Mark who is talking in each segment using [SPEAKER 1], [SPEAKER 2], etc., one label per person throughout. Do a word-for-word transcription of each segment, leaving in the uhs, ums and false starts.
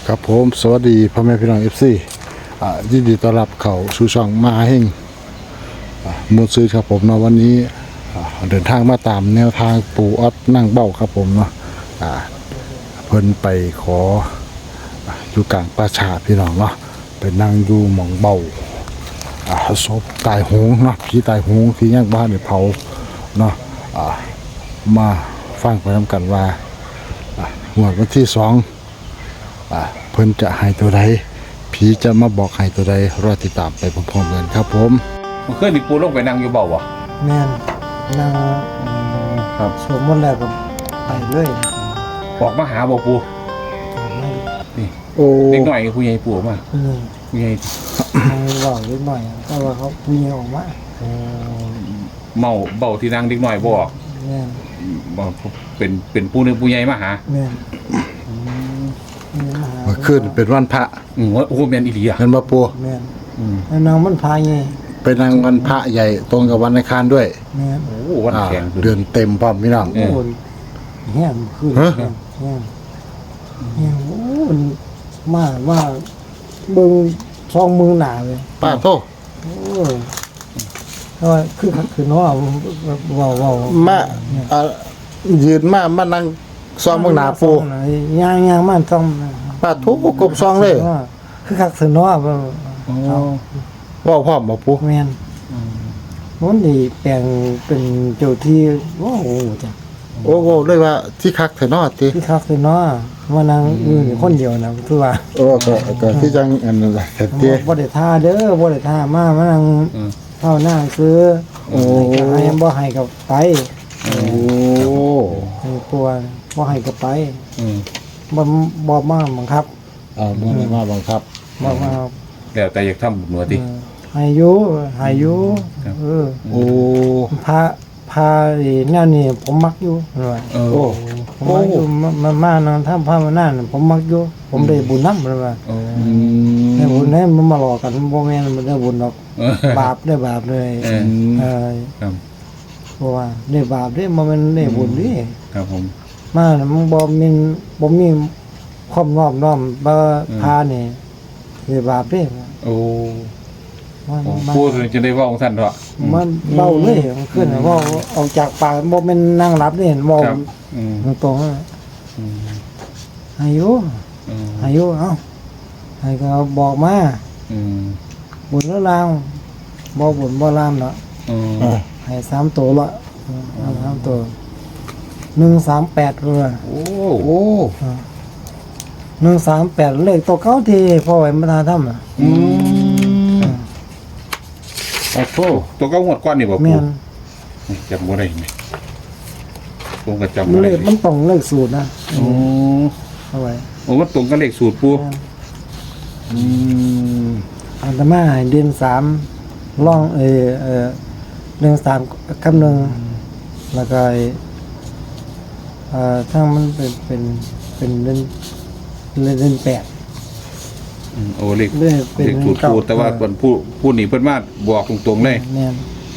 [SPEAKER 1] ครับผมสวัสดีพ่อแม่พี่น้องเอฟซีอ่ายินดีต้อนรับเข้าสู่ช่องมหาเฮงอ่ามูลซื้อครับผมเนาะวันนี้อ่าเดินทางมาตามแนวทางปู่ออดนั่งเบ้าครับผมเนาะอ่าเพิ่นไปขออ่าอยู่กลางป่าช้าพี่น้องเนาะไปนั่งอยู่หม่องเบ้าอ่าศพตายโหงเนาะผีตายโหงที่ย่างบ้านเนี่ยเผาเนาะอ่ามาฟังไปนำกันว่าอ่างวดวันที่สอง อ่าเพิ่นจะให้ตัวใดผีจะมาบอกให้ตัวใดรอติดตามไปพร้อมๆกันครับผม
[SPEAKER 2] มันเคยมีปูลงไปนั่งอยู่เบาบ่
[SPEAKER 3] แม่นนั่ง
[SPEAKER 2] ครับ
[SPEAKER 3] สวมมนต์แล้วก็ไปเลย
[SPEAKER 2] บอกมาหาบ่ปู
[SPEAKER 3] ไม่
[SPEAKER 2] นี่
[SPEAKER 1] โอ้
[SPEAKER 2] เด็กหน่อยผู้ใหญ่ปูมา
[SPEAKER 3] ผู้ใหญ่
[SPEAKER 2] ผู้ใหญ่
[SPEAKER 3] นั่งบอกเล็กหน่อยแต่ว่าเขาผู้ใหญ่ออกมา
[SPEAKER 2] เมาเบาที่นั่งเด็กหน่อยบอก
[SPEAKER 3] แม่น
[SPEAKER 2] บอกเป็นเป็นผู้หนึงผู้ใหญ่มาหา
[SPEAKER 3] แม่นแม่นมาหา
[SPEAKER 1] เมื่อคืนเป็นวันพระ
[SPEAKER 2] อืมว่าโอ้แม่นอีหลีอ่ะ
[SPEAKER 1] เห็นบ่ปู
[SPEAKER 3] แม่น
[SPEAKER 2] อืม
[SPEAKER 3] แล้วนางมันพายไง
[SPEAKER 1] เป็นนางวันพระใหญ่ตรงกับวันอังคารด้วย
[SPEAKER 3] แม่น
[SPEAKER 2] โอ้วัน
[SPEAKER 1] อ่า
[SPEAKER 2] แข็ง
[SPEAKER 1] เดือนเต็มพร้อมพี่น้อง
[SPEAKER 2] เออ
[SPEAKER 3] โอ้ยแห้งขึ้น
[SPEAKER 1] ฮะ
[SPEAKER 3] แห้งแห้งแห้งโอ้ยมาว่าเบิ่งซองมือหนาเลย
[SPEAKER 1] ป้าโทษ
[SPEAKER 3] โอ้ยแต่ว่าคือคือน้อเว้าเว้า
[SPEAKER 1] มาอ่ายืนมามานั่งซ้อมเบิ่งหน้าปู
[SPEAKER 3] ย่างย่างมันต้อง
[SPEAKER 1] ป้าโทษกบซองเลย
[SPEAKER 3] คือคักสือน้อบ่
[SPEAKER 2] โอ้
[SPEAKER 1] เว้าพร้อมบ่ปู
[SPEAKER 3] แม่นมันนี่แปลงเป็นเจ้าที่โอ้โหจ้ะ
[SPEAKER 1] โอ้โหเลยว่าที่คักแท้เนาะติ
[SPEAKER 3] คือคักสือน้อมานั่งอยู่นี่คนเดียวนะคือว่า
[SPEAKER 1] โอ้ก็ก็ที่จังอันนั้นแหละแต่ติ
[SPEAKER 3] บ่ได้ท่าเด้อบ่ได้ท่ามามานั่ง
[SPEAKER 2] อืม
[SPEAKER 3] เท่าหน้าซื้อ
[SPEAKER 1] โอ้
[SPEAKER 3] ให้ก็ให้บ่ให้ก็ไป
[SPEAKER 1] โอ้
[SPEAKER 3] ให้กลัวบ่ให้ก็ไป
[SPEAKER 2] อืม
[SPEAKER 3] บ่บ่มาบังคับ
[SPEAKER 1] อ่าบ่ได้มาบังคับ
[SPEAKER 3] บ่มา
[SPEAKER 2] แล้วแต่อยากทำบุญหนัวติ
[SPEAKER 3] เออให้อยู่ให้อยู่
[SPEAKER 2] ครับ
[SPEAKER 3] เออ
[SPEAKER 1] โอ้
[SPEAKER 3] พาพาไอ้แนวนี้ผมมักอยู่ว่า
[SPEAKER 2] เออ
[SPEAKER 1] โอ้
[SPEAKER 3] ผมมักอยู่มามามานั่งทำพามานั่นผมมักอยู่ผมได้บุญนำเลยว่า
[SPEAKER 2] โอ้
[SPEAKER 1] อืม
[SPEAKER 3] ได้บุญให้มันมาหลอกกันบ่แม่นมันได้บุญหรอก
[SPEAKER 2] เออบ
[SPEAKER 3] าปได้บาปเลย
[SPEAKER 2] เออ
[SPEAKER 3] เออ
[SPEAKER 2] ครับ
[SPEAKER 3] เพราะว่าได้บาปได้บ่แม่นได้บุญดิ
[SPEAKER 2] ครับผม
[SPEAKER 3] มาน่ะมันบ่มีบ่มีความนอบน้อมบ่พานี่ได้บาปเด้
[SPEAKER 2] โอ้
[SPEAKER 3] มันมัน
[SPEAKER 2] พูดจะได้เว่าของท่านเถอะ
[SPEAKER 3] มันเบาเลยมันขึ้นน่ะเว้าออกจากปากบ่แม่นนั่งหลับเด้เว้า
[SPEAKER 2] ครับอืม
[SPEAKER 3] ตรงๆอะ
[SPEAKER 2] อืม
[SPEAKER 3] อายุ
[SPEAKER 2] อืม
[SPEAKER 3] อายุเอ้าให้ก็บอกมา
[SPEAKER 2] อืม
[SPEAKER 3] บุญแล้วลางบ่บุญบ่ลามเนาะ
[SPEAKER 2] อืม
[SPEAKER 1] อ่า
[SPEAKER 3] ให้สามตัวละเอาสามตัวหนึ่งสามแปดเลย
[SPEAKER 2] โอ้
[SPEAKER 1] โอ้
[SPEAKER 3] หนึ่งสามแปดเลขตัวเก้าที่พ่อไว้มาทาทำอ่ะ
[SPEAKER 1] อืมโอ้โห
[SPEAKER 2] ตัวเก้าหวดก้อนนี่บ่
[SPEAKER 3] แม่
[SPEAKER 2] ปู
[SPEAKER 3] น
[SPEAKER 2] จำบ่ได้ไหมผมก็จำ
[SPEAKER 3] มัน
[SPEAKER 2] บ่
[SPEAKER 3] เล
[SPEAKER 2] ได้
[SPEAKER 3] ขมันต้องเลขสูตรนะ
[SPEAKER 2] โอ้
[SPEAKER 3] เอาไว้
[SPEAKER 2] โอ้มันตรงกับเลขสูตรปู
[SPEAKER 1] อืม
[SPEAKER 3] อันตมาให้เดือนสามล่องเออเออเดือนสามคำหนึ่งแล้วก็ไอ้เอ่อทั้งมันเป็นเป็นเป็นเดือนเดือนแปด
[SPEAKER 2] อืมโอ้เลข
[SPEAKER 3] เลขเป็น
[SPEAKER 2] เลขสูตรปูแต่ว่า
[SPEAKER 3] เก้า
[SPEAKER 2] เพิ่นผู้ผู้นี่เพิ่นมาบอกตรงๆเลย
[SPEAKER 3] แม่น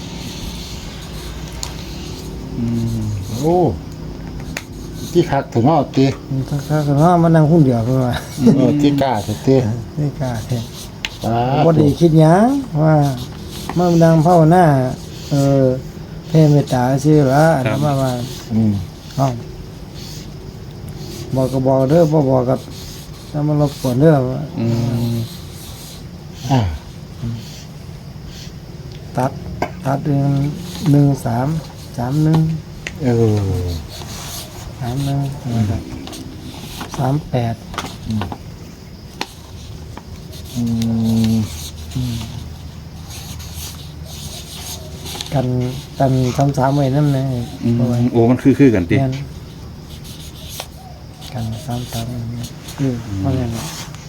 [SPEAKER 1] โอ้ที่คักถึงเอาติ
[SPEAKER 3] ถ้าถ้าถ้ามานั่งหุ้นเดียวเพิ่นว่า
[SPEAKER 1] เออที่กล้าถึงติ
[SPEAKER 3] นี่กล้าแท้
[SPEAKER 1] อ่า
[SPEAKER 3] บ่ได้คิดหยังว่ามาดังภาวนาเออเทเมตตาซื่อละอันนั้นมาว่า
[SPEAKER 1] อืม
[SPEAKER 3] เอ้าบอกก็บอกเด้อบ่บอกก็ถ้ามันรบกวนเด้อ
[SPEAKER 2] อืม
[SPEAKER 1] อ่า
[SPEAKER 3] ตัดตัดเรื่องหนึ่งสามสามหนึ่ง
[SPEAKER 1] เออ
[SPEAKER 3] สามหนึ่งสามแปด
[SPEAKER 1] อืม
[SPEAKER 3] กันกันสามสามไว้นั่นเลย
[SPEAKER 2] อืม
[SPEAKER 3] เอาไว้
[SPEAKER 2] โอ้มันคือคือกันติ
[SPEAKER 3] แม่นกันสามสามคือเพราะงั้น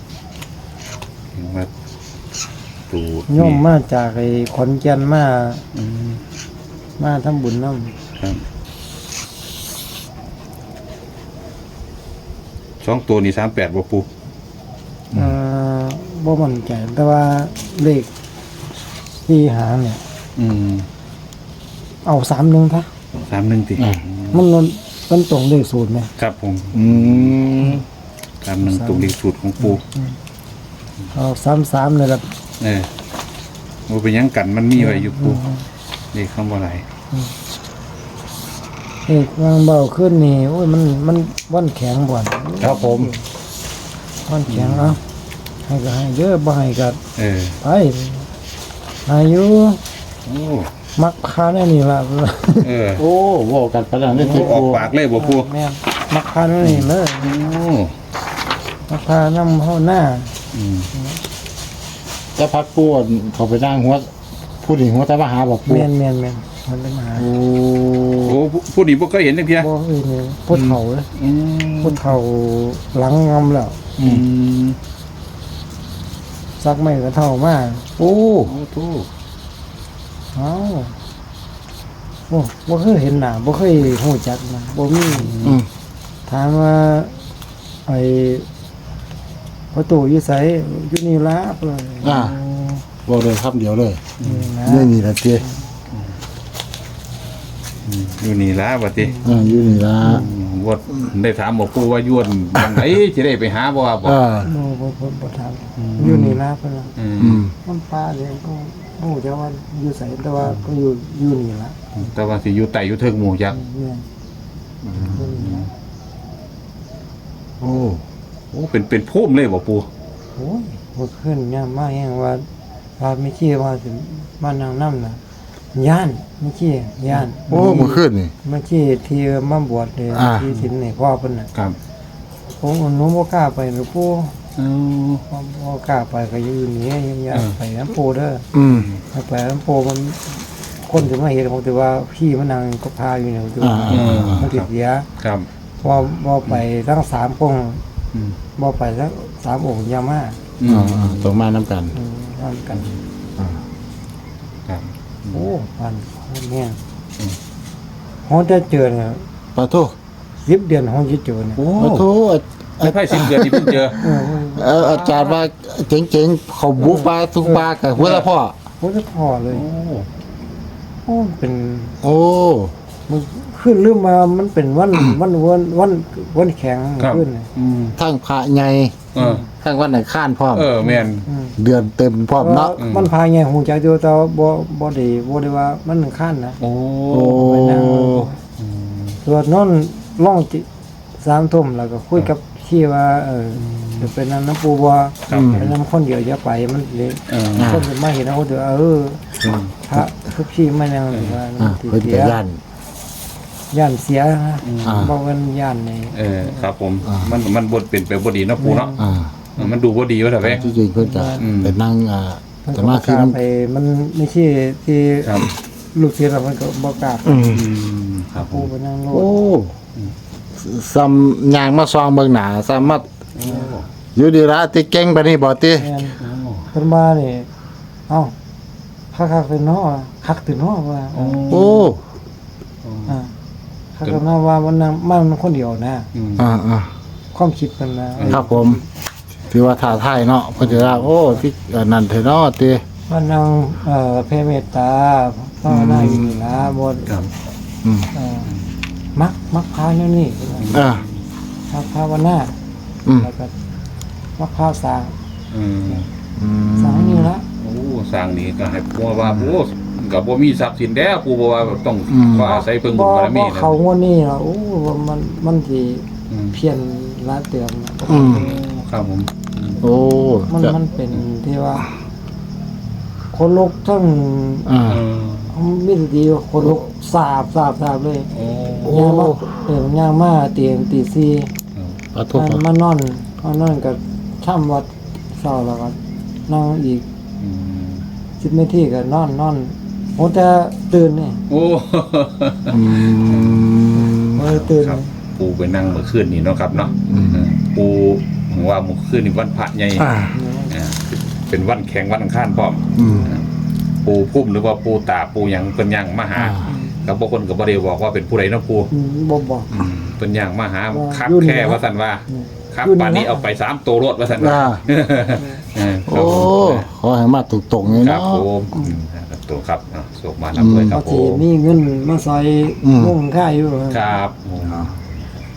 [SPEAKER 2] มาสูตร
[SPEAKER 3] โยมมาจากไอ้ขอนแก่นมา
[SPEAKER 2] อืม
[SPEAKER 3] มาทำบุญน้
[SPEAKER 2] ครับสองตัวนี่สามแปดบ่ปู
[SPEAKER 3] ำเอ่อบ่มั่นใจแต่ว่าเลขที่หางเนี่ย
[SPEAKER 2] อืม
[SPEAKER 3] เอาสามหนึ่งค่ะ
[SPEAKER 2] สามหนึ่งติ
[SPEAKER 3] มันมันมันตรงเลขสูตรไหม
[SPEAKER 2] ครับผม
[SPEAKER 1] อืม
[SPEAKER 2] ตามหนึ่งตรงเลขสูตรของปู
[SPEAKER 3] เอาสามสามเลยครับ
[SPEAKER 2] เออมันเป็นหยังกันมันมีไว้อยู่ปูเลขคำว่าอะไร
[SPEAKER 3] เอกวางเบาขึ้นนี่โอ้ยมันมันวันแข็งบ่อน
[SPEAKER 1] ครับผม
[SPEAKER 3] วันแข็งเอาให้ก็ให้เยอะบ่ให้ก็
[SPEAKER 2] เออ
[SPEAKER 3] ไปอายุ
[SPEAKER 2] โอ้
[SPEAKER 3] มักคาแน่นี่ล่ะ
[SPEAKER 2] เออ
[SPEAKER 1] โอ้เว่ากันไปแล้วนี่
[SPEAKER 2] โอ้
[SPEAKER 1] ที่
[SPEAKER 2] ออก
[SPEAKER 1] ปู
[SPEAKER 2] ปากเลยบ่ปู
[SPEAKER 3] แม่นมักคาแน่นี่เลย
[SPEAKER 2] โอ้
[SPEAKER 3] มักคานำเฮาหน้า
[SPEAKER 2] อืม
[SPEAKER 1] จะพัดปูเขาไปนั่งหัวผู้หญิงหัวตามาหาบอกปู
[SPEAKER 3] แม่นแม่นแม่นมันเป็นมหา
[SPEAKER 1] โอ้
[SPEAKER 2] โอ้ผู้นี้บ่เคยเห็นจังเพีย
[SPEAKER 3] บ่เอ้ยนี่พุทธเฒ่าเลย
[SPEAKER 2] อืม
[SPEAKER 3] พุทธเฒ่าหลังงำแล้ว
[SPEAKER 2] อืม
[SPEAKER 3] ซักไม่ก็เฒ่ามาก
[SPEAKER 1] โอ้
[SPEAKER 2] โอ้โต
[SPEAKER 3] เอ้าโอ้บ่เคยเห็นหน้าบ่เคยฮู้จักนะบ่มี
[SPEAKER 1] อืม
[SPEAKER 3] ถามว่าไอ้ประตูอยู่ไสอยู่นี่ล่ะเพิ่น
[SPEAKER 1] อ่าบอกเลยคำเดียวเลย
[SPEAKER 3] นี่นะ
[SPEAKER 1] นี่นี่ละเจ้
[SPEAKER 2] อืมอยู่นี่ล่ะบัดนี้
[SPEAKER 1] อ่าอยู่นี่ละ
[SPEAKER 2] ว่าได้ถามบอกปูว่าย้วนวันไหนสิได้ไปหาบ่ว่าบ่
[SPEAKER 1] อ่า
[SPEAKER 3] บ่บ่บ่บ่ถามอยู่นี่ล่ะเพิ่นว่า
[SPEAKER 2] อืม
[SPEAKER 1] อืม
[SPEAKER 3] มันป้าเนี่ยก็บ่ฮู้จักว่าอยู่ไสแต่ว่าก็อยู่อยู่นี่ล่ะ
[SPEAKER 2] แต่ว่าสิอยู่ไต่อยู่เทิงหมู่จัก
[SPEAKER 3] เนี่ยอยู่นี่ล่ะ
[SPEAKER 1] โอ้
[SPEAKER 2] โอ้เป็นเป็นพุ่มเลยบ่ปู
[SPEAKER 3] โอ้ยบ่ขึ้นยามมาแฮงว่าว่าไม่คิดว่าสิมานั่งนำน่ะย่านไม่คิดย่าน
[SPEAKER 1] โอ้เมื่อคืนนี่
[SPEAKER 3] เมื่อกี้ที่มาบวชเนี่ย
[SPEAKER 1] อ่า
[SPEAKER 3] ที่สินนี่พ่อเพิ่นน่ะ
[SPEAKER 2] ครับ
[SPEAKER 3] ผมหนูบ่กล้าไปหนูปู่
[SPEAKER 2] เอ้า
[SPEAKER 3] บ่บ่กล้าไปก็อยู่นี่อย่า
[SPEAKER 2] เออ
[SPEAKER 3] ไปน้ำปู่เด้อ
[SPEAKER 1] อืม
[SPEAKER 3] ถ้าไปน้ำปู่มันคนจะมาเห็นผมแต่ว่าพี่มันนั่งก็พาอยู่เนี่ยผมจะว่า
[SPEAKER 1] อ่า
[SPEAKER 3] มันติดเสีย
[SPEAKER 2] ครับ
[SPEAKER 3] บ่บ่ไปทั้งสามองค์
[SPEAKER 2] อืม
[SPEAKER 3] บ่ไปทั้งสามองค์อยามา
[SPEAKER 2] อื
[SPEAKER 1] อ่าม อ่าต้องมาน้ำกัน
[SPEAKER 3] อืมทำกัน
[SPEAKER 2] ครับ
[SPEAKER 3] โอ้ปันเนี่ย
[SPEAKER 2] อืม
[SPEAKER 3] ฮอนจะเจอเนี่ย
[SPEAKER 1] ปะโท
[SPEAKER 3] สิบเดือนฮอนจะเจอเนี่ย
[SPEAKER 2] โอ้
[SPEAKER 1] ปะโท
[SPEAKER 2] ไม่ไพ่สิบเดือนที่เพิ่งเจอ
[SPEAKER 3] เออ
[SPEAKER 1] เอออาจารย์ว่าเจ๋งๆเขาบุกปลาทุกปลากับหัวละพ่อ
[SPEAKER 3] โอ้จะพอเลย
[SPEAKER 2] โอ้
[SPEAKER 3] โอ้เป็น
[SPEAKER 1] โอ้
[SPEAKER 3] มันขึ้นลืมมามันเป็นวัน วันวันวันวันแข็ง
[SPEAKER 2] ครับ
[SPEAKER 3] ขึ้นเลย
[SPEAKER 2] อืม
[SPEAKER 1] ทั้งพระใหญ่
[SPEAKER 2] เออ
[SPEAKER 1] ทั้งวันไหนข้านพร้อม
[SPEAKER 2] เออแม่น
[SPEAKER 3] อืม
[SPEAKER 1] เดือนเต็มพร้อมเนาะ
[SPEAKER 2] อืม
[SPEAKER 3] มันพายไงหูจักอยู่แต่ว่าบ่บ่ได้บ่ได้ว่ามันขั้นนะ
[SPEAKER 2] โอ้
[SPEAKER 1] โอ้
[SPEAKER 3] ไปนั่งส่วนนอนล่องจิสามทุ่มแล้วก็คุยกับที่ว่า เออเดี๋ยวไปนั่งน้ำปูบ่
[SPEAKER 2] ครับ
[SPEAKER 3] ไปนำคนเดียวอย่าไปมันเลย
[SPEAKER 2] เออ
[SPEAKER 3] คนจะมาเห็นเอาเดี๋ยวเออ
[SPEAKER 2] อืม
[SPEAKER 3] พระทุกที่มานั่งหรือว่า
[SPEAKER 1] อ่า
[SPEAKER 3] ติด
[SPEAKER 1] เพิ่น
[SPEAKER 3] เสี
[SPEAKER 1] จะ
[SPEAKER 3] ย
[SPEAKER 1] ย่าน
[SPEAKER 3] ย่านเสียนะ
[SPEAKER 1] อ่า
[SPEAKER 3] บ่เงินย่านใน
[SPEAKER 2] เออครับผม
[SPEAKER 1] อ่ามั
[SPEAKER 2] มันมันบทเป็นไปบ่ดีเนาะปูเนาะ
[SPEAKER 1] อ่า
[SPEAKER 2] เออมันดูบ่ดีว่าแต่แม่
[SPEAKER 1] ที่จริงเพิ่นจะ
[SPEAKER 2] อืม
[SPEAKER 1] ไปนั่งอ่า
[SPEAKER 3] เพิ่น
[SPEAKER 1] ส
[SPEAKER 3] ก็
[SPEAKER 1] มา
[SPEAKER 3] บ่
[SPEAKER 1] ธิ
[SPEAKER 3] กล้า
[SPEAKER 1] น้
[SPEAKER 3] ไปมันไม่ใช่ที่
[SPEAKER 2] ครับ
[SPEAKER 3] ลูกศิษย์เราเพิ่นก็บ่กล้าไป
[SPEAKER 1] ำอืม
[SPEAKER 2] อืมครับผ
[SPEAKER 3] ปู
[SPEAKER 2] ม
[SPEAKER 3] ไปนั่งโล
[SPEAKER 1] โอ้
[SPEAKER 3] ด
[SPEAKER 1] ซ้ำยางมาซองเบิ่งหน้าซ้ำมาอยู่ดีละติเก่งปานนี้บ่ติ
[SPEAKER 3] แม่นเพิ่นมานี่เอ้าคักๆเป็นเนาะคักถึงเนาะว่า
[SPEAKER 2] โอ้
[SPEAKER 1] โอ้
[SPEAKER 3] อ่าคักถึงเนาะว่ามันนั่งมันคนเดียวนะ
[SPEAKER 2] อืม
[SPEAKER 1] อ่าอ่า
[SPEAKER 3] ความคิดเพิ่นนะครับ
[SPEAKER 1] ผม ถือว่าท้าทายเนาะเพิ่นจะว่าโอ้ที่อันนั่นเถอะเนาะติ
[SPEAKER 3] มันนั่งเอ่อแผ่เมตตาภาวนาอยู่นี่นะบ่
[SPEAKER 2] ครับ
[SPEAKER 1] อืม
[SPEAKER 3] เอ่อมักมักพาแนวนี้
[SPEAKER 1] อ่า
[SPEAKER 3] มักภาวนา
[SPEAKER 1] อืม
[SPEAKER 3] แล้วก็มักพาสร้าง
[SPEAKER 2] อืม
[SPEAKER 1] อืม
[SPEAKER 3] สร้างนี่ละ
[SPEAKER 2] โอ้สร้างนี่ก็ให้ปูว่าโอ้ก็บ่มีทรัพย์สินแล้วปูบอกว่าต้องก็อาศัยเพิ่งบุญบารมี
[SPEAKER 3] บ่
[SPEAKER 2] นะ
[SPEAKER 3] เขางวดนี้ล่ะโอ้ว่ามันมันสิ
[SPEAKER 2] อืม
[SPEAKER 3] เพี้ยนหลายเตือนนะ
[SPEAKER 1] อืม
[SPEAKER 2] ครับผม
[SPEAKER 1] โอ้
[SPEAKER 3] มัน
[SPEAKER 1] จะ
[SPEAKER 3] มันเป็นที่ว่า คนลุกทั้ง
[SPEAKER 1] อ่า
[SPEAKER 2] เออ
[SPEAKER 3] มีสติคนลุกสาบสาบสาบเลย
[SPEAKER 2] โอ้
[SPEAKER 3] ย่างมาเออย่างมาเตียงตีสี่
[SPEAKER 1] ขอโทษ
[SPEAKER 3] มัน
[SPEAKER 1] ครับ
[SPEAKER 3] มานอนมานอนกับช่ำวัดเศร้าแล้วก็นั่งอีก
[SPEAKER 2] อืม
[SPEAKER 3] สิบนาทีก็นอนนอนโอ้แต่ตื่นนี่
[SPEAKER 2] โอ้
[SPEAKER 1] อืม
[SPEAKER 3] เออตื่น
[SPEAKER 2] ครับปูไปนั่งเมื่อคืนนี่เนาะครับเนาะ
[SPEAKER 1] อืม
[SPEAKER 2] เออปูผมว่าเมื่อคืนนี่วันพระใหญ่
[SPEAKER 1] อ่า
[SPEAKER 2] อ่าเป็นวันแข่งวันอังคารพร้อม
[SPEAKER 1] อืม
[SPEAKER 2] ปูพุ่มหรือว่าปูตาปูหยังเพิ่นย่างมาหา
[SPEAKER 1] อ่า
[SPEAKER 2] กับบางคนก็บ่ได้บอกว่าเป็นผู้ใดเนาะปู
[SPEAKER 3] อืมบ่บอก
[SPEAKER 2] อืมเพิ่นย่างมาหา
[SPEAKER 3] ว่า
[SPEAKER 2] คัก
[SPEAKER 3] อยู่นี่
[SPEAKER 2] แค่
[SPEAKER 3] นะ
[SPEAKER 2] ว่าซั่นว่า
[SPEAKER 3] อืม
[SPEAKER 2] ครับ
[SPEAKER 3] อยู่นี่
[SPEAKER 2] ป่านนี้
[SPEAKER 3] นะ
[SPEAKER 2] เอาไปสามตัวรถว่าซั่นว่า
[SPEAKER 1] อ่า
[SPEAKER 2] เออครั
[SPEAKER 1] โอ้
[SPEAKER 2] บผม
[SPEAKER 1] ขอให้มาถูกตรงๆเลย
[SPEAKER 2] ครั
[SPEAKER 1] เนาะ
[SPEAKER 2] บผมอืมครับตัวครับอ่ะส่งมารับด้วยครั
[SPEAKER 3] เอา
[SPEAKER 2] บผ
[SPEAKER 3] ที่
[SPEAKER 2] ม
[SPEAKER 3] มีเงินมาซอย
[SPEAKER 1] อืม
[SPEAKER 3] มุ่งค่าอยู่
[SPEAKER 2] ครับผม
[SPEAKER 1] อ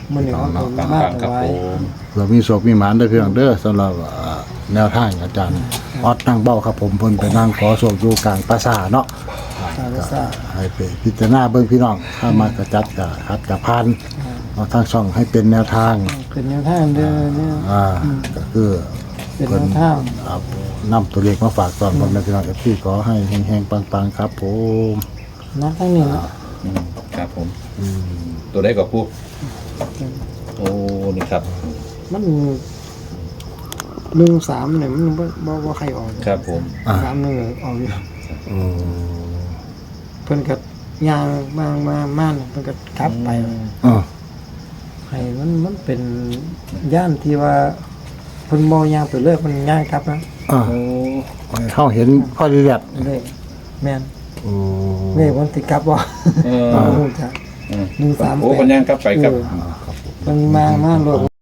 [SPEAKER 3] มันนี่เขา
[SPEAKER 1] เนาะ
[SPEAKER 3] เป็น
[SPEAKER 2] ฟัง
[SPEAKER 3] มาก
[SPEAKER 2] ฟังครับ
[SPEAKER 3] ไว้
[SPEAKER 2] ผม
[SPEAKER 1] เรามีโศกมีหมานเด้อพี่น้องเด้อสำหรับอ่าแนวทางอาจารย์ออดนั่งเบ้าครับผมเพิ่นไปนั่งขอโศกอยู่กลางปราสาทเนาะ
[SPEAKER 3] สารสา
[SPEAKER 1] ให้ไปพิจารณาเบิ่งพี่น้องถ้ามากระจัดกะคัดกะพันเอาทางช่องให้เป็นแนวทาง
[SPEAKER 3] เป็นแนวทางเด้อเนี่ย
[SPEAKER 1] อ่าก็คือ
[SPEAKER 3] เป็นแนวทาง
[SPEAKER 1] อ่านำตัวเลขมาฝากตอนพ่อแม่พี่น้องเอฟซีขอให้แห้งๆปังๆครับผม
[SPEAKER 3] นักทั้งนี้นะ
[SPEAKER 2] อืมครับผมตัวได้กับผู้โอ้นี่ครับ
[SPEAKER 3] มันหนึ่งสามเนี่ยมันบ่บ่บ่ใครออก
[SPEAKER 2] ครับผม
[SPEAKER 3] สามหนึ่งออกอยู่
[SPEAKER 1] อืม
[SPEAKER 3] เพิ่นก็ย่างมามาม่านเพิ่นก็ขับไป
[SPEAKER 1] อ่า
[SPEAKER 3] ให้มันมันเป็นย่านที่ว่าเพิ่นบ่ย่างไปเรื่อยเพิ่นย่างครับนะ
[SPEAKER 1] อ่า
[SPEAKER 2] โอ้
[SPEAKER 1] เขาเห็นพ่อดีเลียด
[SPEAKER 3] เลยแม่น
[SPEAKER 1] โอ้
[SPEAKER 3] นี่มันสิกลับบ่
[SPEAKER 2] เออ
[SPEAKER 3] บ่รู้จัก
[SPEAKER 2] อืม
[SPEAKER 3] หนึ่งสามแปด
[SPEAKER 2] โอ้ปัญญากลับไปกับ
[SPEAKER 3] เออเพิ่นมามาโลด